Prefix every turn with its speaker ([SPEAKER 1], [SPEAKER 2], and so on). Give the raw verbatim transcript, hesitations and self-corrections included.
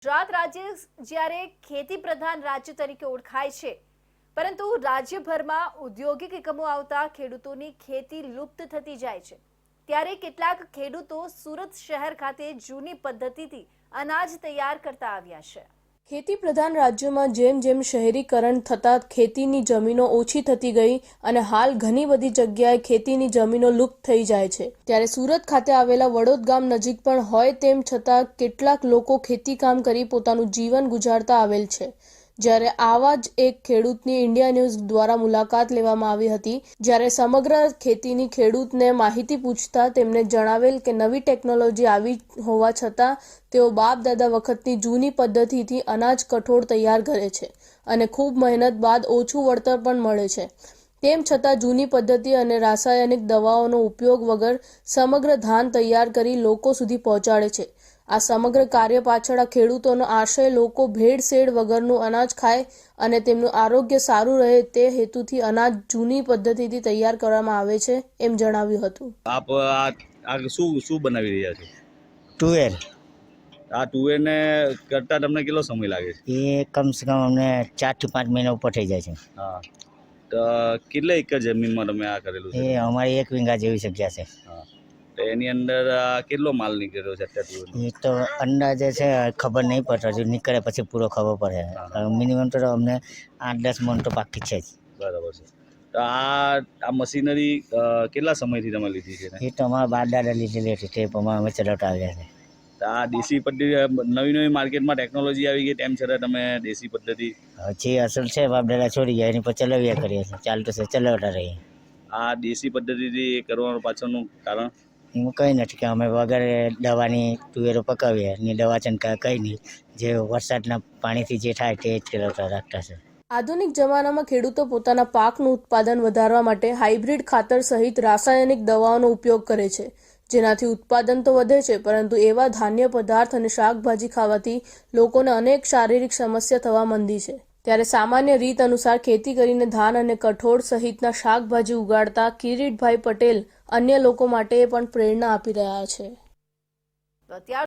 [SPEAKER 1] ગુજરાત રાજ્ય જ્યારે ખેતી પ્રધાન રાજ્ય તરીકે ઓળખાય છે, પરંતુ રાજ્યભરમાં ઔદ્યોગિક એકમો આવતા ખેડૂતોની ખેતી લુપ્ત થતી જાય છે। ત્યારે કેટલાક ખેડૂતો સુરત શહેર ખાતે જૂની પદ્ધતિથી અનાજ તૈયાર કરતા આવ્યા છે। ખેતી પ્રધાન રાજ્યોમાં જેમ જેમ શહેરીકરણ થતા ખેતીની જમીનો ઓછી થતી ગઈ અને હાલ ઘણી બધી જગ્યાએ ખેતીની જમીનો લુપ્ત થઈ જાય છે। ત્યારે સુરત ખાતે આવેલા વડોદ ગામ નજીક પણ હોય તેમ છતાં કેટલાક લોકો ખેતી કામ કરી પોતાનું જીવન ગુજારતા આવેલ છે। જ્યારે આવા જ એક ખેડૂતની ઇન્ડિયા ન્યૂઝ દ્વારા મુલાકાત લેવામાં આવી હતી, જ્યારે સમગ્ર ખેતીની ખેડૂતને માહિતી પૂછતા તેમણે જણાવેલ કે નવી ટેકનોલોજી આવી હોવા છતાં તેઓ બાપ દાદા વખતની જૂની પદ્ધતિથી અનાજ કઠોળ તૈયાર કરે છે અને ખૂબ મહેનત બાદ ઓછું વળતર પણ મળે છે। તેમ છતાં જૂની પદ્ધતિ અને રાસાયણિક દવાઓનો ઉપયોગ વગર સમગ્ર ધાન તૈયાર કરી લોકો સુધી પહોંચાડે છે। આ સમગ્ર કાર્ય પાછળ આ ખેડૂતોનો આશય લોકો ભેળસેળ વગરનું અનાજ ખાય અને તેમનું આરોગ્ય સારું રહે તે હેતુથી અનાજ જૂની પદ્ધતિથી તૈયાર કરવામાં આવે છે, એમ જણાવ્યું હતું।
[SPEAKER 2] આપ આ શું શું બનાવી રહ્યા છો?
[SPEAKER 3] ટુવેર।
[SPEAKER 2] આ ટુવેરને કરતા તમને કેટલો સમય લાગે છે?
[SPEAKER 3] એ કમસે કમ અમને ચાર થી પાંચ મહિના ઉપર થઈ જાય છે।
[SPEAKER 2] હા, તો કેટલા એકર જમીનમાં તમે આ કરેલું છે?
[SPEAKER 3] એ અમારી એક વીંગા જેવી જગ્યા છે।
[SPEAKER 2] હા, તો એની અંદર કેટલો માલ નીકળ્યો છે અત્યારે?
[SPEAKER 3] એ તો અંદાજે છે, ખબર નહીં પડતી, હજુ નીકળે પછી પૂરો ખબર પડે। મિનિમમ તો અમને આઠ દસ મણ તો પાકી છે જ।
[SPEAKER 2] બરાબર છે। તો આ આ મશીનરી કેટલા સમયથી તમે લીધી છે?
[SPEAKER 3] એ તો અમારા બાપ દાદા લીધેલી હતી, તે પ્રમાણે અમે ચલાવતા આવ્યા છે।
[SPEAKER 2] તો આ દેશી પદ્ધતિ નવી નવી માર્કેટમાં ટેકનોલોજી આવી ગઈ તેમ છતાં તમે દેશી પદ્ધતિ
[SPEAKER 3] જે અસલ છે બાપ દાદા છોડી ગયા એની પર ચલાવ્યા કરીએ છીએ, ચાલતું છે ચલાવતા રહીએ।
[SPEAKER 2] આ દેશી પદ્ધતિથી કરવાનું પાછળનું કારણ
[SPEAKER 3] એમાં કંઈ નથી કે અમે વગર દવાની તુવેરો પકાવીએ ને દવા છંટકાવ કંઈ નહીં, જે વરસાદના પાણીથી જે થાય તે જ ચલાવતા રાખતા છે।
[SPEAKER 1] આધુનિક જમાનામાં ખેડૂતો પોતાના પાકનું ઉત્પાદન વધારવા માટે હાઇબ્રિડ ખાતર સહિત રાસાયણિક દવાઓનો ઉપયોગ કરે છે, જેનાથી ઉત્પાદન તો વધે છે, પરંતુ એવા ધાન્ય પદાર્થ અને શાકભાજી ખાવાથી લોકોને અનેક શારીરિક સમસ્યા થવા માંડી છે। ત્યારે સામાન્ય રીત અનુસાર ખેતી કરીને ધાન અને કઠોળ સહિતના શાકભાજી ઉગાડતા કિરીટભાઈ પટેલ અન્ય લોકો માટે પણ પ્રેરણા આપી રહ્યા છે।